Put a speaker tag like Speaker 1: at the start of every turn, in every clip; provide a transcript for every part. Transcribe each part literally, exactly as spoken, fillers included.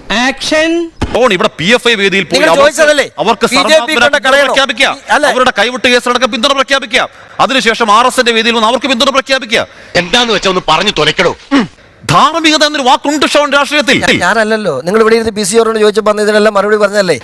Speaker 1: Action.
Speaker 2: ഇവിടെ P F I വേദിയിൽ പോയി അവർക്ക് പ്രഖ്യാപിക്കുക, അവരുടെ കൈവിട്ട് കേസിലടക്കം പിന്തുണ പ്രഖ്യാപിക്കുക, അതിനുശേഷം ആർ എസിന്റെ വേദിയിൽ വന്ന് അവർക്ക് പിന്തുണ പ്രഖ്യാപിക്കുക.
Speaker 3: എന്താന്ന് വെച്ചാൽ ഒന്ന് പറഞ്ഞു തുലക്കടോ.
Speaker 2: ധാർമ്മികത എന്നൊരു വാക്കുണ്ട് ഷോൺ രാഷ്ട്രീയത്തിൽ.
Speaker 4: ഞാനല്ലല്ലോ, നിങ്ങൾ ഇവിടെ ഇരുന്ന് പി സി ഓറിനോട് ചോദിച്ചപ്പോൾ ഇതിനെല്ലാം മറുപടി പറഞ്ഞല്ലേ.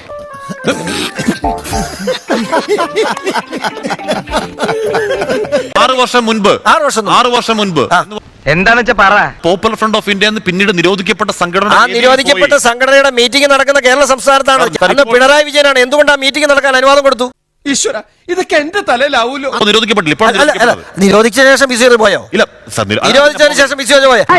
Speaker 2: ആറ് വർഷം മുൻപ്
Speaker 4: ആറ് വർഷം
Speaker 2: ആറ് വർഷം മുൻപ്
Speaker 5: എന്താന്ന് വെച്ചാ പറ.
Speaker 2: പോപ്പുലർ ഫ്രണ്ട് ഓഫ് ഇന്ത്യ പിന്നീട് നിരോധിക്കപ്പെട്ട സംഘടന,
Speaker 4: ആ നിരോധിക്കപ്പെട്ട സംഘടനയുടെ മീറ്റിംഗ് നടക്കുന്ന കേരള സംസ്ഥാനത്താണ്. അന്ന് പിണറായി വിജയനാണ്. എന്തുകൊണ്ട് ആ മീറ്റിംഗ് നടക്കാൻ അനുവാദം കൊടുത്തു?
Speaker 1: ഈശ്വര, ഇതൊക്കെ എന്റെ തലയിലാവൂലോ.
Speaker 2: നിരോധിക്കപ്പെട്ടില്ല. ഇപ്പോൾ
Speaker 4: നിരോധിച്ച ശേഷം ബി സി ഓർ പോയോ?
Speaker 2: ഇല്ല,
Speaker 4: നിരോധിച്ചതിന് ശേഷം ബി സി ഓർ പോയോ?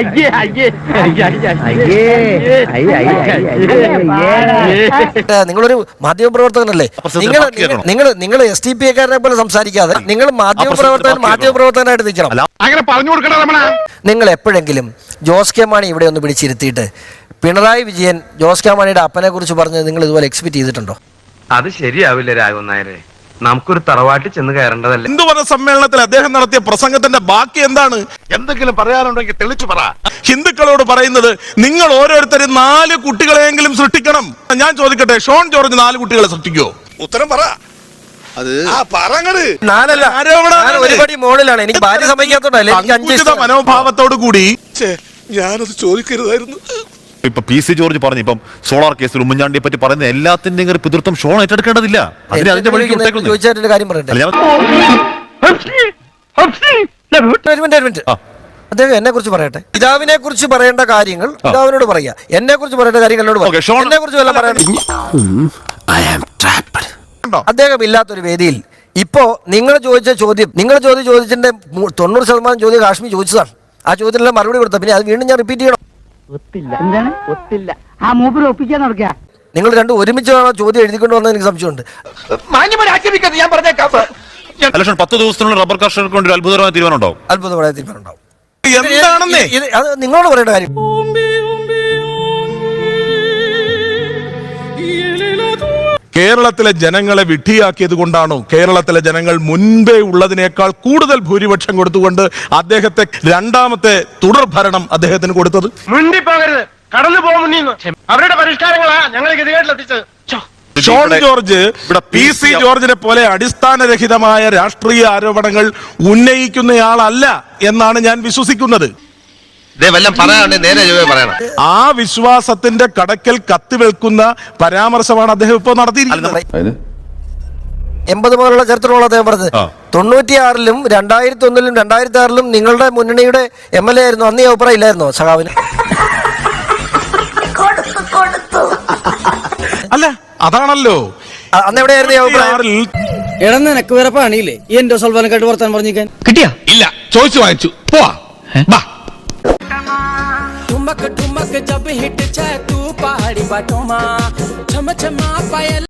Speaker 4: നിങ്ങളൊരു മാധ്യമ പ്രവർത്തകനല്ലേ? നിങ്ങൾ നിങ്ങൾ നിങ്ങൾ എസ് ടി പി എക്കാരനെ പോലെ സംസാരിക്കാതെ നിങ്ങൾ മാധ്യമ പ്രവർത്തകൻ മാധ്യമ പ്രവർത്തകനായിട്ട് നിൽക്കണം.
Speaker 3: അങ്ങനെ പറഞ്ഞു കൊടുക്കണം.
Speaker 4: നിങ്ങൾ എപ്പോഴെങ്കിലും ജോസ് കെ മാണി ഇവിടെ ഒന്ന് പിടിച്ചിരുത്തിയിട്ട് പിണറായി വിജയൻ ജോസ് കെ മാണിയുടെ അപ്പനെ കുറിച്ച് പറഞ്ഞത് നിങ്ങൾ ഇതുപോലെ എക്സ്പെക്ട് ചെയ്തിട്ടുണ്ടോ?
Speaker 5: അത് ശരിയാവില്ല രാഘവൻ നായരെ. നമുക്കൊരു തറവാട്ടിൽ ചെന്ന് കയറേണ്ടതല്ലേ.
Speaker 6: ഹിന്ദുമത സമ്മേളനത്തിൽ അദ്ദേഹം നടത്തിയ പ്രസംഗത്തിന്റെ ബാക്കി എന്താണ്?
Speaker 3: എന്തെങ്കിലും പറയാനുണ്ടെങ്കിൽ തെളിച്ചു പറ.
Speaker 6: ഹിന്ദുക്കളോട് പറയുന്നത് നിങ്ങൾ ഓരോരുത്തരും നാല് കുട്ടികളെയെങ്കിലും സൃഷ്ടിക്കണം. ഞാൻ ചോദിക്കട്ടെ, ഷോൺ ജോർജ് നാല് കുട്ടികളെ സൃഷ്ടിക്കുവോ? ഉത്തരം പറ.
Speaker 4: ഒരുപടി മോളിലാണ്. എനിക്ക് ഭാര്യ സമ്മതിക്കാത്തോണ്ടല്ലേ
Speaker 6: മനോഭാവത്തോടു കൂടി ഞാനത് ചോദിക്കരുതായിരുന്നു.
Speaker 2: ഇപ്പൊ പി സി ജോർജ് പറഞ്ഞു, ഇപ്പം സോളാർ കേസിൽ ഉമ്മൻചാണ്ടിയെ പറ്റി പറയുന്ന എല്ലാത്തിന്റെയും പിതൃത്വം ഷോൺ ഏറ്റെടുക്കേണ്ടതില്ല. അതിന് അതിന്റെ
Speaker 4: ചോദിച്ചായിട്ട് കാര്യം പറയട്ടെ. അദ്ദേഹം എന്നെ കുറിച്ച് പറയട്ടെ. പിതാവിനെ കുറിച്ച് പറയേണ്ട കാര്യങ്ങൾ പിതാവിനോട് പറയാ, എന്നെ കുറിച്ച് പറയേണ്ട കാര്യങ്ങൾ എന്നോട് പറയാം. എന്നെ കുറിച്ച് വല്ല പറയണം. അദ്ദേഹം ഇല്ലാത്തൊരു വേദിയിൽ ഇപ്പോ നിങ്ങൾ ചോദിച്ച ചോദ്യം, നിങ്ങൾ ചോദ്യം ചോദിച്ചതിന്റെ തൊണ്ണൂറ് ശതമാനം ചോദ്യം കാശ്മീർ ചോദിച്ചതാണ്. ആ ചോദ്യത്തിനെല്ലാം മറുപടി കൊടുത്ത പിന്നെ അത് വീണ്ടും ഞാൻ റിപ്പീറ്റ് ചെയ്യണം. നിങ്ങൾ രണ്ടും ഒരുമിച്ച് ചോദ്യം എഴുതിക്കൊണ്ട് വന്നത് എനിക്ക് സംശയമുണ്ട്.
Speaker 2: പത്ത് ദിവസത്തിനുള്ള റബ്ബർ കർഷകർക്ക് വേണ്ടി ഒരു അത്ഭുതകരമായ തീരുമാനം ഉണ്ടാവും.
Speaker 4: അത്ഭുതമായ തീരുമാനം ഉണ്ടാവും.
Speaker 6: എന്താണെന്നേ
Speaker 4: അത് നിങ്ങളോട് പറയേണ്ട കാര്യം.
Speaker 6: കേരളത്തിലെ ജനങ്ങളെ വിഡ്ഢിയാക്കിയത് കൊണ്ടാണോ കേരളത്തിലെ ജനങ്ങൾ മുൻപേ ഉള്ളതിനേക്കാൾ കൂടുതൽ ഭൂരിപക്ഷം കൊടുത്തുകൊണ്ട് അദ്ദേഹത്തെ രണ്ടാമത്തെ തുടർ ഭരണം അദ്ദേഹത്തിന് കൊടുത്തത്?
Speaker 5: കടന്നു പോകുന്നു അവരുടെ പരിഷ്കാരങ്ങളാ ഞങ്ങൾ ഗതികേട്ടിലെത്തിച്ചത്.
Speaker 6: ഷോൺ ജോർജ് പി സി ജോർജിനെ പോലെ അടിസ്ഥാനരഹിതമായ രാഷ്ട്രീയ ആരോപണങ്ങൾ ഉന്നയിക്കുന്നയാളല്ല എന്നാണ് ഞാൻ വിശ്വസിക്കുന്നത്. ആ വിശ്വാസത്തിന്റെ കടക്കൽ കത്തിവെൽക്കുന്ന പരാമർശമാണ് അദ്ദേഹം ഇപ്പോൾ നടത്തിയിരിക്കുന്നത്.
Speaker 4: എൺപത് മുതലുള്ള ചരിത്രമുള്ള അദ്ദേഹം പറഞ്ഞത്. തൊണ്ണൂറ്റിയാറിലും രണ്ടായിരത്തി ഒന്നിലും രണ്ടായിരത്തി ആറിലും നിങ്ങളുടെ മുന്നണിയുടെ എം എൽ എ ആയിരുന്നു. അന്ന് ഈ അഭിപ്രായം ഇല്ലായിരുന്നോ സഖാവിന്?
Speaker 6: അല്ല, അതാണല്ലോ
Speaker 4: അന്ന് എവിടെയായിരുന്നു ഈ അഭിപ്രായം?
Speaker 1: എടാ, നിനക്ക് വേറെ പണിയില്ലേ ഈ എന്റെ സൽവാനക്കായിട്ട് വർത്താൻ പറഞ്ഞിരിക്കാൻ?
Speaker 3: കിട്ടിയാ ഇല്ല, ചോദിച്ചു വാങ്ങിച്ചു പോവാ.
Speaker 1: ठुमक ठुमक जब हिट छे तू पहाड़ी बाटों मा छम छमा पायल